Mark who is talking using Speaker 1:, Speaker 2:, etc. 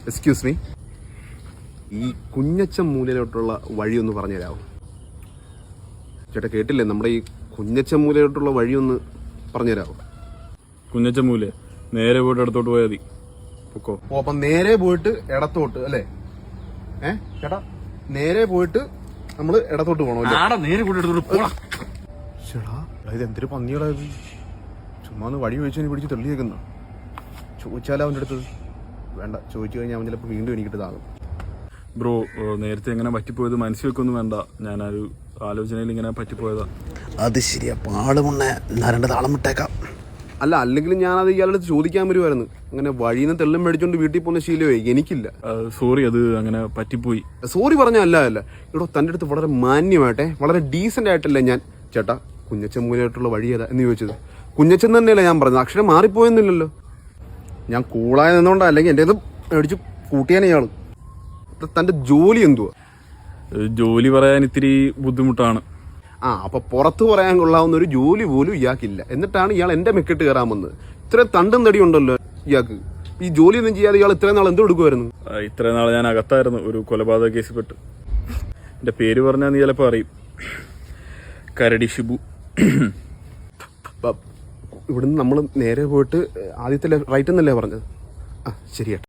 Speaker 1: Excuse me, ഈ കുഞ്ഞച്ചൻ മൂലയിലോട്ടുള്ള വഴിയൊന്ന് പറഞ്ഞു തരാമോ? ചേട്ടാ കേട്ടില്ലേ, നമ്മുടെ ഈ കുഞ്ഞച്ചൻ മൂലയിലോട്ടുള്ള വഴിയൊന്ന് പറഞ്ഞു തരാമോ?
Speaker 2: കുഞ്ഞച്ചൻ മൂല നേരെ പോയിട്ട് ഇടത്തോട്ട് പോയാൽ മതി. പൊക്കോ.
Speaker 1: ഓ, അപ്പം നേരെ പോയിട്ട് ഇടത്തോട്ട് അല്ലേ? ചേട്ടാ നേരെ പോയിട്ട് നമ്മള് ഇടത്തോട്ട് പോകണം
Speaker 2: നേരെ പോയിട്ട് ഇടത്തോട്ട് പോടാ.
Speaker 1: ചേട്ടാ ഇത് എന്തൊരു പന്നികളാ ഇത്? ചുമ്മാ വഴി ചോദിച്ചു പിടിച്ച് തെളിയേക്കുന്ന ചോദിച്ചാലോ അവൻ്റെ അടുത്ത്? വേണ്ട, ചോദിച്ചു കഴിഞ്ഞാൽ അവൻ ചിലപ്പോൾ വീണ്ടും എനിക്കിട്ട് താകും.
Speaker 2: ബ്രോ, നേരത്തെ എങ്ങനെ പറ്റിപ്പോയത് മനസ്സിൽ വെക്കൊന്നും വേണ്ട. ഞാനൊരു ആലോചനയിൽ ഇങ്ങനെ പറ്റിപ്പോയതാ.
Speaker 3: അത് ശരിയാ, പാടുമുണ്ണ രണ്ട് താളം വിട്ടേക്കാം.
Speaker 1: അല്ല, അല്ലെങ്കിൽ ഞാനത് ഇയാളുടെ അടുത്ത് ചോദിക്കാൻ വരുമായിരുന്നു. അങ്ങനെ വഴിയിൽ നിന്ന് തെള്ളും മേടിച്ചോണ്ട് വീട്ടിൽ പോകുന്ന ശീലമേ എനിക്കില്ല.
Speaker 2: സോറി, അത് അങ്ങനെ പറ്റിപ്പോയി.
Speaker 1: സോറി പറഞ്ഞല്ല ഇവിടെ തൻ്റെ അടുത്ത് വളരെ മാന്യമായിട്ടെ വളരെ ഡീസൻ്റ് ആയിട്ടല്ലേ ഞാൻ ചേട്ടാ കുഞ്ഞച്ചൻ മൂലമായിട്ടുള്ള വഴി ഏതാ എന്ന് ചോദിച്ചത്. കുഞ്ഞച്ചൻ തന്നെയല്ലേ ഞാൻ പറഞ്ഞത്, അക്ഷരം മാറിപ്പോയെന്നില്ലല്ലോ. ഞാൻ കൂളായി നിന്നോണ്ടാ, അല്ലെങ്കിൽ എൻ്റെ ഇത് മേടിച്ച് കൂട്ടിയാനേ ഇയാള്. തൻ്റെ ജോലി എന്തുവാ?
Speaker 2: ജോലി പറയാൻ ഇത്തിരി ബുദ്ധിമുട്ടാണ്.
Speaker 1: അപ്പൊ പുറത്ത് പറയാൻ കൊള്ളാവുന്ന ഒരു ജോലി പോലും ഇയാൾക്കില്ല. എന്നിട്ടാണ് ഇയാൾ എന്റെ മെക്കിട്ട് കയറാൻ വന്നത്. ഇത്രയും തണ്ടും തടി ഉണ്ടല്ലോ ഇയാൾക്ക്. ഈ ജോലി ഒന്നും ചെയ്യാതെ ഇയാൾ ഇത്രയും നാൾ എന്ത് കൊടുക്കുമായിരുന്നു?
Speaker 2: ഇത്രയും നാൾ ഞാൻ അകത്തായിരുന്നു, ഒരു കൊലപാതക കേസിൽ പെട്ട്. എന്റെ പേര് പറഞ്ഞാൽ നീ ചിലപ്പോൾ അറിയും. കരടി ഷിബു.
Speaker 1: ഇവിടുന്ന് നമ്മൾ നേരെ പോയിട്ട് ആദ്യത്തെ റൈറ്റ് എന്നല്ലേ പറഞ്ഞത്? ശരിയാ.